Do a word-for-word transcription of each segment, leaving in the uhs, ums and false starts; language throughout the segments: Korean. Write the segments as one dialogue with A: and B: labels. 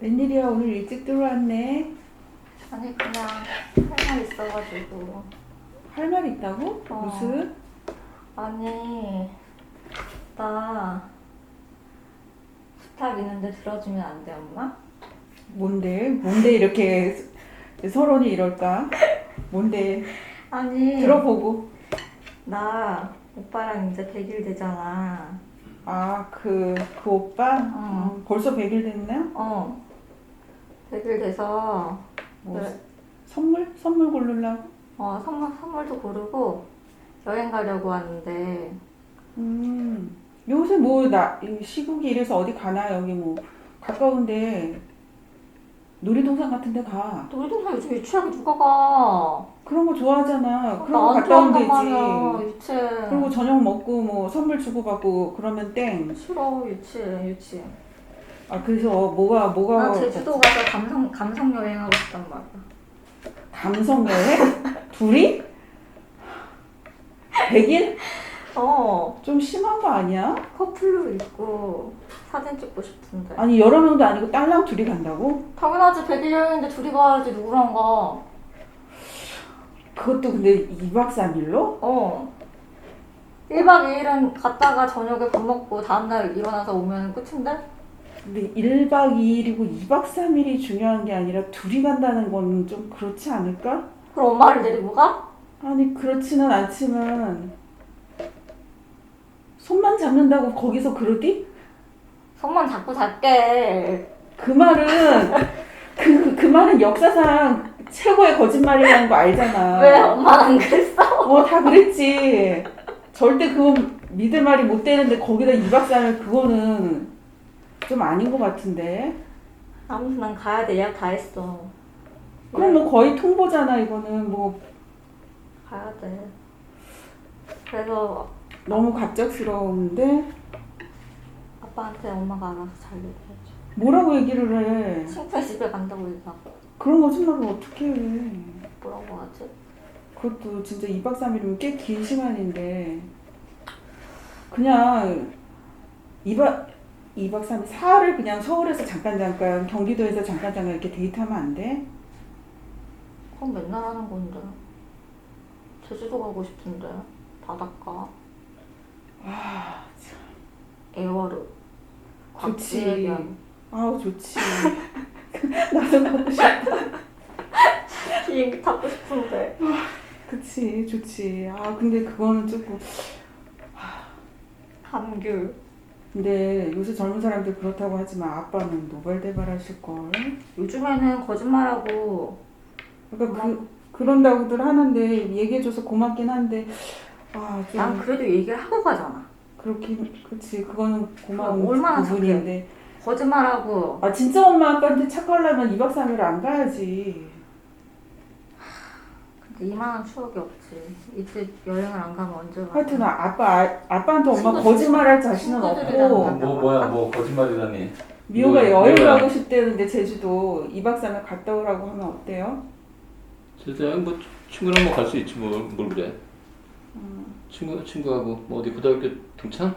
A: 웬일이야, 오늘 일찍 들어왔네.
B: 아니 그냥 할 말 있어가지고.
A: 할 말 있다고?
B: 어.
A: 무슨?
B: 아니 나 부탁 있는데 들어주면 안 돼 엄마?
A: 뭔데? 뭔데 이렇게 서론이 이럴까? 뭔데?
B: 아니
A: 들어보고.
B: 나 오빠랑 이제 백 일 되잖아.
A: 아, 그, 그 오빠?
B: 어.
A: 어, 벌써 백 일 됐나?
B: 어 백 일 돼서
A: 뭐,
B: 그래.
A: 선물? 선물 고르려고?
B: 어 선물, 선물도 고르고 여행 가려고 하는데
A: 음, 요새 뭐, 나, 이 시국이 이래서 어디 가나? 여기 뭐, 가까운데, 놀이동산 같은 데 가.
B: 놀이동산 요즘 유치하게 누가 가?
A: 그런 거 좋아하잖아. 그런 거
B: 나안
A: 갔다 오면
B: 좋아한단 말이야
A: 되지.
B: 유치.
A: 그리고 저녁 먹고 뭐 선물 주고받고 그러면 땡.
B: 싫어 유치해 유치해.
A: 아, 그래서 뭐가 뭐가
B: 나 제주도 가서 감성 감성 여행하고 싶단 말이야.
A: 감성 여행? 둘이? 백 일?
B: 어
A: 좀 심한 거 아니야?
B: 커플로 있고 사진 찍고 싶은데.
A: 아니 여러 명도 아니고 딸랑 둘이 간다고?
B: 당연하지 백 일 여행인데 둘이 가야지 누구랑 가.
A: 그것도 근데 이 박 삼 일로?
B: 어 일 박 이 일은 갔다가 저녁에 밥 먹고 다음날 일어나서 오면 끝인데?
A: 근데 일 박 이 일이고 이 박 삼 일이 중요한 게 아니라 둘이 간다는 건 좀 그렇지 않을까?
B: 그럼 엄마를 데리고 가?
A: 아니 그렇지는 않지만 손만 잡는다고 거기서 그러디?
B: 손만 잡고 잘게.
A: 그 말은 그, 그 말은 역사상 최고의 거짓말이라는 거 알잖아.
B: 왜 엄마는 안 그랬어?
A: 어, 다 그랬지. 절대 그거 믿을 말이 못 되는데 거기다 이 박 삼 일 그거는 좀 아닌 것 같은데.
B: 아무튼 난 가야 돼. 예약 다 했어.
A: 그럼 뭐 거의 통보잖아. 이거는 뭐
B: 가야 돼. 그래서
A: 너무 갑작스러운데
B: 아빠한테 엄마가 알아서 잘 얘기해줘.
A: 뭐라고 얘기를 해.
B: 친구네 집에 간다고 얘기하고.
A: 그런 거짓말을 어떻게 해.
B: 뭐라고 하지?
A: 그것도 진짜 이 박 삼 일이면 꽤 긴 시간인데 그냥 이 박 이 박 삼 일 사흘을 그냥 서울에서 잠깐 잠깐 경기도에서 잠깐 잠깐 이렇게 데이트하면 안 돼?
B: 그럼 맨날 하는 건데. 제주도 가고 싶은데. 바닷가.
A: 아, 참.
B: 애월읍.
A: 좋지.
B: 곽지해변.
A: 아우 좋지. 나도 가고 싶다.
B: 비행기 타고 싶은데.
A: 그치, 좋지. 아 근데 그거는 조금.
B: 감귤.
A: 근데 요새 젊은 사람들 그렇다고 하지만 아빠는 노발대발하실 걸.
B: 요즘에는 거짓말하고.
A: 그러니까 그 그런다고들 하는데 얘기해줘서 고맙긴 한데 아 좀.
B: 난 그래도 얘기를 하고 가잖아.
A: 그렇긴 그치 그거는 고마운
B: 그럼 얼마나
A: 부분인데.
B: 거짓말하고.
A: 아 진짜 엄마 아빠한테 착하려면 이 박 삼 일 안 가야지.
B: 근데 이만한 추억이 없지. 이제 여행을 안 가면 언제 가?
A: 하여튼 아- 아빠 아, 아빠한테 엄마
B: 친구,
A: 거짓말할 자신은
B: 친구들이랑
A: 없고.
B: 간다.
C: 뭐 뭐야 뭐 거짓말이라니.
A: 미호가
C: 뭐야,
A: 여행
C: 뭐야.
A: 가고 싶대는데 제주도 이 박 삼 일 갔다 오라고 하면 어때요?
C: 진짜 뭐 친구랑 뭐 갈 수 있지 뭘, 뭘 그래.
A: 음.
C: 친구 친구하고 뭐 어디 고등학교 동창?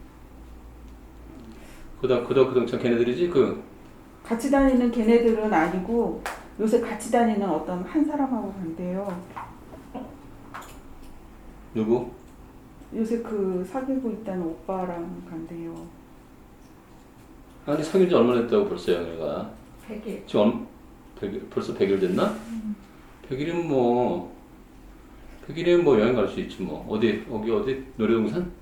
C: 고등 고등학교 동창 걔네들이지 그.
A: 같이 다니는 걔네들은 아니고 요새 같이 다니는 어떤 한 사람하고 간대요.
C: 누구?
A: 요새 그 사귀고 있다는 오빠랑 간대요.
C: 아니 사귄 지 얼마나 됐다고 벌써 영애가.
B: 백 일.
C: 지금 얼, 백, 벌써 백 일 됐나?
A: 음.
C: 백 일이면 뭐 백 일이면 뭐 여행 갈 수 있지 뭐. 어디 어디 어디 놀이동산?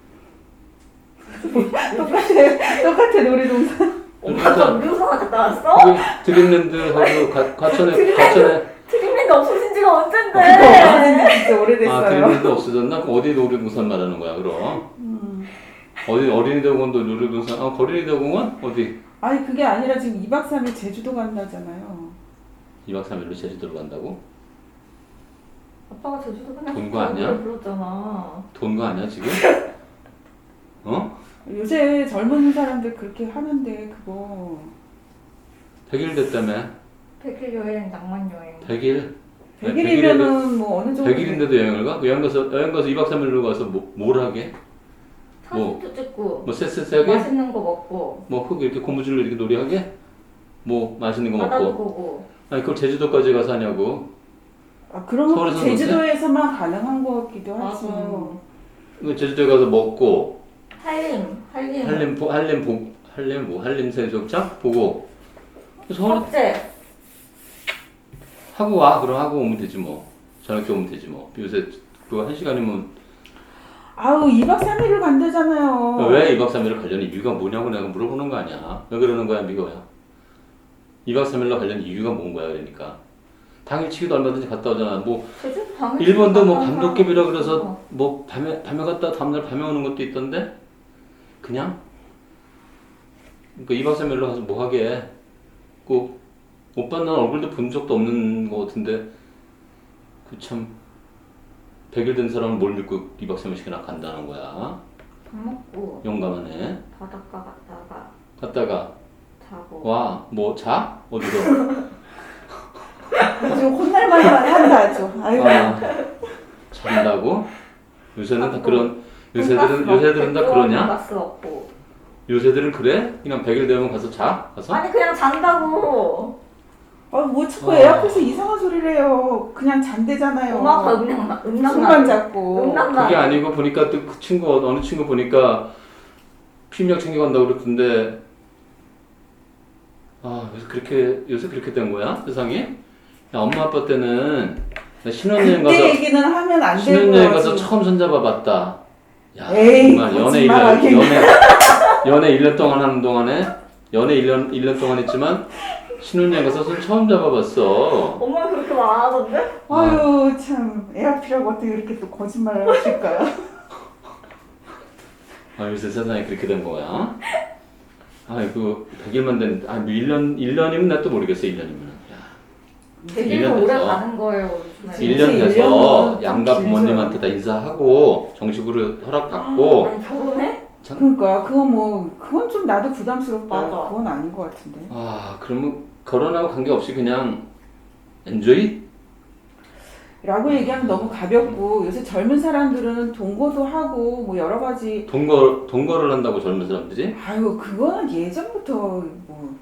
A: 똑같아 똑같아 놀이동산.
B: 엄마가 놀이동산 갔다 왔어?
C: 거기 드림랜드하고 가- 과천에 과천에
B: 트림랜드 없어진 지가 언젠데?
A: 없어진 지 진짜
C: 아
A: 오래됐어요.
C: 드림랜드 없어졌나? 그럼 어디 놀이동산 말하는 거야 그럼?
A: 음.
C: 어디 어린이대공원도 놀이동산? 아 어린이대공원? 어디?
A: 아니 그게 아니라 지금 이 박 삼 일 제주도 간다잖아요.
C: 이 박 삼 일로 제주도로 간다고?
B: 아빠가 제주도 그냥
C: 본거 아니야?
B: 노래 불렀잖아.
C: 돈 거 아니야 지금? 어?
A: 요새 젊은 사람들 그렇게 하는데 그거
C: 백 일 됐다며?
B: 백 일 여행, 낭만 여행.
C: 백 일?
A: 백 일이면은 뭐 어느 정도
C: 백 일인데도 여행을 가? 그 여행 가서 여행 가서 이 박 삼 일로 가서 뭐, 뭘 하게?
B: 사진도 찍고
C: 뭐 쎄쎄쎄하게?
B: 맛있는 거 먹고.
C: 뭐 흙 이렇게 고무줄로 이렇게 놀이하게? 뭐 맛있는 거
B: 바다도
C: 먹고.
B: 보고.
C: 아니 그걸 제주도까지 가서 하냐고.
A: 아, 그런 건
C: 서울에서는
A: 제주도에서만 가능한 것 같기도
B: 맞아.
A: 하죠.
C: 그 제주도에 가서 먹고
B: 한림, 한림.
C: 한림 보 한림 보 한림 뭐 한림 해수욕장 보고 서울
B: 석재.
C: 하고 와. 그럼 하고 오면 되지 뭐. 저녁 때 오면 되지 뭐. 요새 그거 한 시간이면
A: 아우 이박 삼일을 간다잖아요.
C: 왜 이박 삼일을 가려는 이유가 뭐냐고 내가 물어보는 거 아니야. 왜 그러는 거야 미거야. 이박 삼일로 가려는 이유가 뭔 거야 그러니까. 당일치기도 얼마든지 갔다 오잖아. 뭐
B: 제주도 당일
C: 일본도 뭐
B: 갔다 온
C: 밤도깨비라
B: 사람
C: 그래서
B: 있어.
C: 뭐 밤에 밤에 갔다 다음날 밤에 오는 것도 있던데 그냥 그러니까 이박 삼일로 가서 뭐 하게. 꼭 오빠 난 얼굴도 본 적도 없는 거 같은데 그 참 백 일 된 사람은 뭘 믿고 이박 삼일씩이나 간다는 거야.
B: 밥 먹고
C: 용감하네.
B: 바닷가 갔다가
C: 갔다가
B: 자고.
C: 와 뭐 자? 어디서?
A: 지금 혼날 만만 한다 아주. 아유.
C: 아, 잔다고? 요새는 다 그런 요새들은 요새들은 다 그러냐?
B: 가스 없고.
C: 요새들은 그래? 그냥 백 일 되면 가서 자? 가서?
B: 아니 그냥 잔다고.
A: 아뭐 자꾸
C: 아.
A: 애 앞에서 이상한 소리를 해요. 그냥 잔대잖아요.
B: 음악과 음량 음량
A: 손만 잡고.
B: 음란마.
C: 그게 아니고 보니까 또 그 친구 어느 친구 보니까 피임약 챙겨간다고 그랬던데 아 요새 그렇게 요새 그렇게 된 거야 세상이? 야, 엄마 아빠 때는 나 신혼여행 가서
A: 그때 얘기는 하면 안 되고요.
C: 신혼여행 가서
A: 지금.
C: 처음 손잡아봤다. 야
A: 에이,
C: 정말 연애 일 년
A: 거짓말하긴.
C: 연애 연애 일 년 동안 하는 동안에 연애 일 년 일 년 동안 했지만 신혼여행 가서 손 처음 잡아봤어.
B: 엄마 그렇게 말 안 하던데?
A: 아유 참 애 앞이라고 어떻게 이렇게 또 거짓말을 하실까요?
C: 아 요새 세상에 그렇게 된 거야. 아이고 백 일만 된, 아 뭐 일 년 일 년이면 나 또 모르겠어 일 년이면.
B: 되게
C: 일 년
B: 오래
C: 돼서.
B: 가는 거예요. 요즘에.
C: 일 년
A: 일
C: 돼서
A: 년은
C: 양가
A: 좀
C: 부모님한테 다 인사하고 정식으로 허락받고
B: 아니 결혼해?
A: 그러니까 그건 뭐 그건 좀 나도 부담스럽다.
B: 맞아.
A: 그건 아닌 것 같은데.
C: 아 그러면 결혼하고 관계없이 그냥 엔조이?
A: 라고 얘기하면 너무 가볍고 요새 젊은 사람들은 동거도 하고 뭐 여러 가지
C: 동거 동거를 한다고 젊은 사람들이?
A: 아유 그거는 예전부터 뭐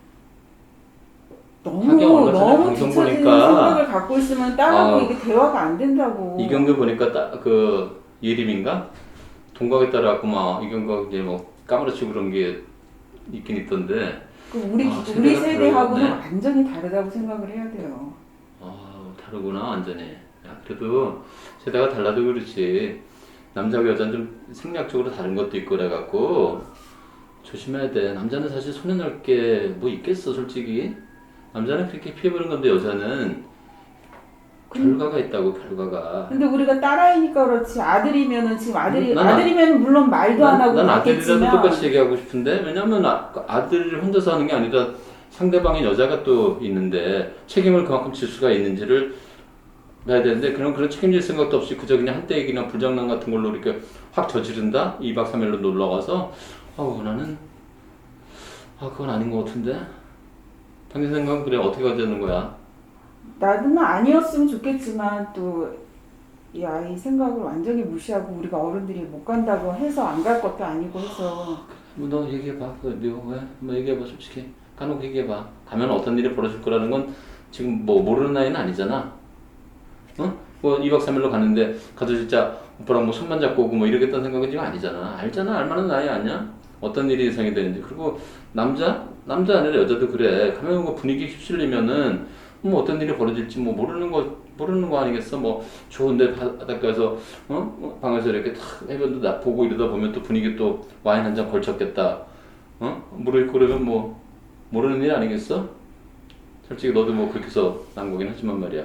C: 하긴
A: 너무
C: 얼마 전에
A: 너무
C: 방송
A: 뒤처지는
C: 보니까
A: 생각을 갖고 있으면 딸하고
C: 아,
A: 이게 대화가 안 된다고.
C: 이경규 보니까 딱 그 예림인가 동거에 따라갖고 막 이경규가 이제 뭐 까무러치고 그런 게 있긴 있던데.
A: 그 우리
C: 아,
A: 우리
C: 세대가
A: 세대하고는
C: 다르네.
A: 완전히 다르다고 생각을 해야 돼요.
C: 아 다르구나 완전히. 야 그래도 세대가 달라도 그렇지 남자와 여자는 좀 생략적으로 다른 것도 있고 그래갖고 조심해야 돼. 남자는 사실 손에 넣을 게 뭐 있겠어 솔직히. 남자는 그렇게 피해보는 건데 여자는 결과가 있다고 결과가.
A: 근데 우리가 딸아이니까 그렇지 아들이면은 지금 아들이
C: 난 아-
A: 아들이면 물론 말도 안 하고
C: 난 아들이라도
A: 갔겠지만
C: 똑같이 얘기하고 싶은데 왜냐면 아, 아들을 혼자서 하는 게 아니라 상대방인 여자가 또 있는데 책임을 그만큼 질 수가 있는지를 봐야 되는데 그런 그런 책임질 생각도 없이 그저 그냥 한때 얘기나 불장난 같은 걸로 이렇게 확 저지른다 이박 삼일로 놀러 가서 아우 나는 아 그건 아닌 것 같은데 당신 생각은 그래 어떻게 가야 되는 거야?
A: 나는 아니었으면 좋겠지만 또 이 아이 생각을 완전히 무시하고 우리가 어른들이 못 간다고 해서 안 갈 것도 아니고 해서
C: 뭐 너 얘기해봐. 그 미워 왜? 뭐 얘기해봐 솔직히. 까놓고 얘기해봐. 가면 어떤 일이 벌어질 거라는 건 지금 뭐 모르는 나이는 아니잖아. 어? 뭐 이박 삼일로 가는데 가도 진짜 오빠랑 뭐 손만 잡고 오고 뭐 이러겠다는 생각은 지금 아니잖아. 알잖아. 알만한 나이 아니야? 어떤 일이 예상이 되는지. 그리고 남자? 남자 아니라 여자도 그래. 가면 뭐 분위기 휩쓸리면은 뭐 어떤 일이 벌어질지 뭐 모르는 거 모르는 거 아니겠어? 뭐 좋은데 바닷가에서 어 방에서 이렇게 탁 해변도 나 보고 이러다 보면 또 분위기 또 와인 한 잔 걸쳤겠다. 어 모르겠고 그러면 뭐 모르는 일 아니겠어? 솔직히 너도 뭐 그렇게 해서 난 거긴 하지만 말이야.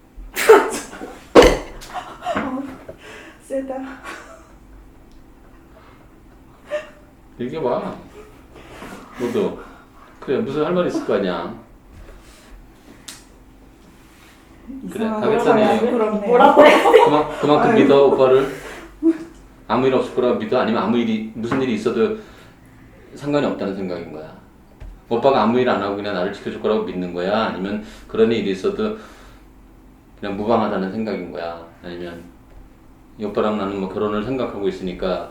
A: 세다.
C: 얘기해봐. 너도 그래 무슨 할 말 있을 거 아니야. 그래,
A: 이상한
C: 가겠다니.
A: 거라고 부끄럽네요.
B: 뭐라고 해?
C: 그만, 그만큼
A: 아유.
C: 믿어 오빠를. 아무 일 없을 거라고 믿어? 아니면 아무 일이 무슨 일이 있어도 상관이 없다는 생각인 거야? 오빠가 아무 일 안 하고 그냥 나를 지켜줄 거라고 믿는 거야? 아니면 그런 일이 있어도 그냥 무방하다는 생각인 거야? 아니면 이 오빠랑 나는 뭐 결혼을 생각하고 있으니까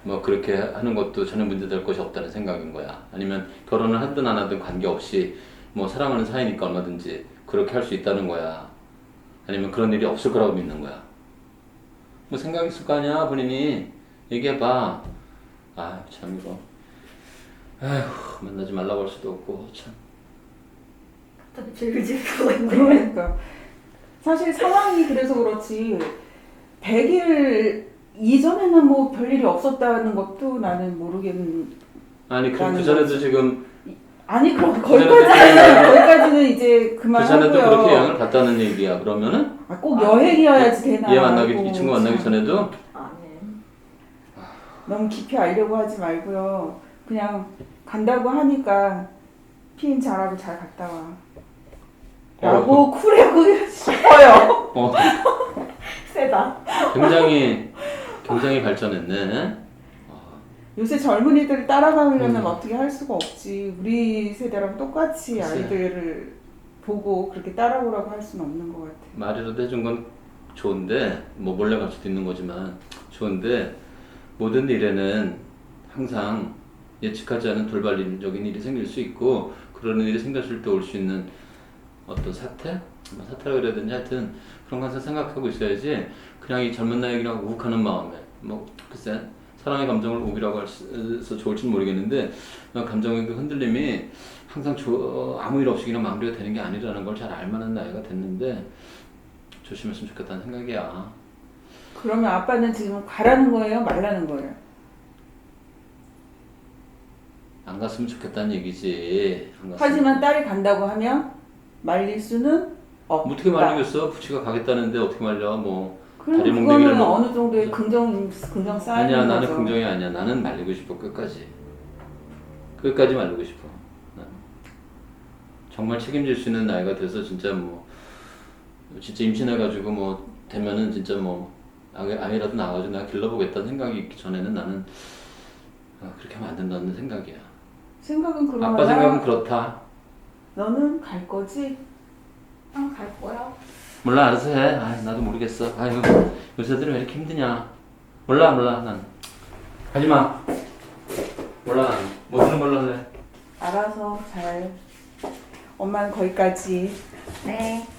C: 뭐 그렇게 하는 것도 전혀 문제될 것이 없다는 생각인 거야. 아니면 결혼을 하든 안 하든 관계없이 뭐 사랑하는 사이니까 얼마든지 그렇게 할 수 있다는 거야. 아니면 그런 일이 없을 거라고 믿는 거야. 뭐 생각 있을 거 아니야 본인이. 얘기해봐. 아 참 이거 아휴 만나지 말라고 할 수도 없고 참.
B: 갑자기 질질하고 있네.
A: 그러니까 사실 상황이 그래서 그렇지 백 일 이전에는 뭐 별일이 없었다는 것도 나는 모르겠는.
C: 아니 그,
A: 라는
C: 그 전에도
A: 거지.
C: 지금
A: 아니 그럼
C: 그 전에도
A: 거기까지는 거기까지는 이제
C: 그 전에도 그렇게
A: 그만하고요.
C: 영향을 받다는 얘기야. 그러면은
A: 아, 꼭 여행이어야지 되나?
C: 얘 만나기
A: 하고
C: 이 친구 만나기
A: 참.
C: 전에도
B: 아니.
A: 너무 깊이 알려고 하지 말고요. 그냥 간다고 하니까 피임 잘하고 잘 갔다 와. 라고 쿨하고 싶어요.
C: 어,
B: 세다.
C: 굉장히 굉장히 발전했네.
A: 요새 젊은이들을 따라가려면
C: 음.
A: 어떻게 할 수가 없지. 우리 세대랑 똑같이
C: 글쎄.
A: 아이들을 보고 그렇게 따라오라고 할 수는 없는 것 같아.
C: 말이라도 해준 건 좋은데 뭐 몰래 갈 수도 있는 거지만 좋은데 모든 일에는 항상 예측하지 않은 돌발적인 일이 생길 수 있고 그런 일이 생겼을 때 올 수 있는 어떤 사태? 뭐 사태라 그래야 되는지 하여튼 그런 거 항상 생각하고 있어야지 그냥 이 젊은 나이에 그냥 우욱하는 마음에 뭐 글쎄 사랑의 감정을 우기라고 해서 좋을지는 모르겠는데 감정의 그 흔들림이 항상 조, 아무 일 없이 그냥 마무리가 되는 게 아니라는 걸 잘 알만한 나이가 됐는데 조심했으면 좋겠다는 생각이야.
A: 그러면 아빠는 지금 가라는 거예요? 말라는 거예요?
C: 안 갔으면 좋겠다는 얘기지. 안 갔으면.
A: 하지만 딸이 간다고 하면 말릴 수는 없다.
C: 뭐 어떻게 말리겠어? 부치가 가겠다는데 어떻게 말려? 뭐
A: 그럼
C: 다리
A: 그거는
C: 몽둥이를 뭐-
A: 어느 정도의 긍정 긍정 쌓이는
C: 아니야 나는
A: 거죠.
C: 긍정이 아니야. 나는 말리고 싶어 끝까지. 끝까지 말리고 싶어. 나는. 정말 책임질 수 있는 나이가 돼서 진짜 뭐 진짜 임신해가지고 뭐 되면은 진짜 뭐 아이, 아이라도 낳아가지고 내가 길러보겠다는 생각이 있기 전에는 나는 아, 그렇게 하면 안 된다는 생각이야.
A: 생각은 그러나
C: 아빠 생각은 그렇다.
A: 너는 갈 거지?
B: 응, 갈 거야.
C: 몰라 알아서 해. 아 나도 모르겠어. 아유 요새들은 왜 이렇게 힘드냐. 몰라 몰라 난 가지마. 몰라 난 뭐 하는 걸로 해.
A: 알아서 잘. 엄마는 거기까지.
B: 네.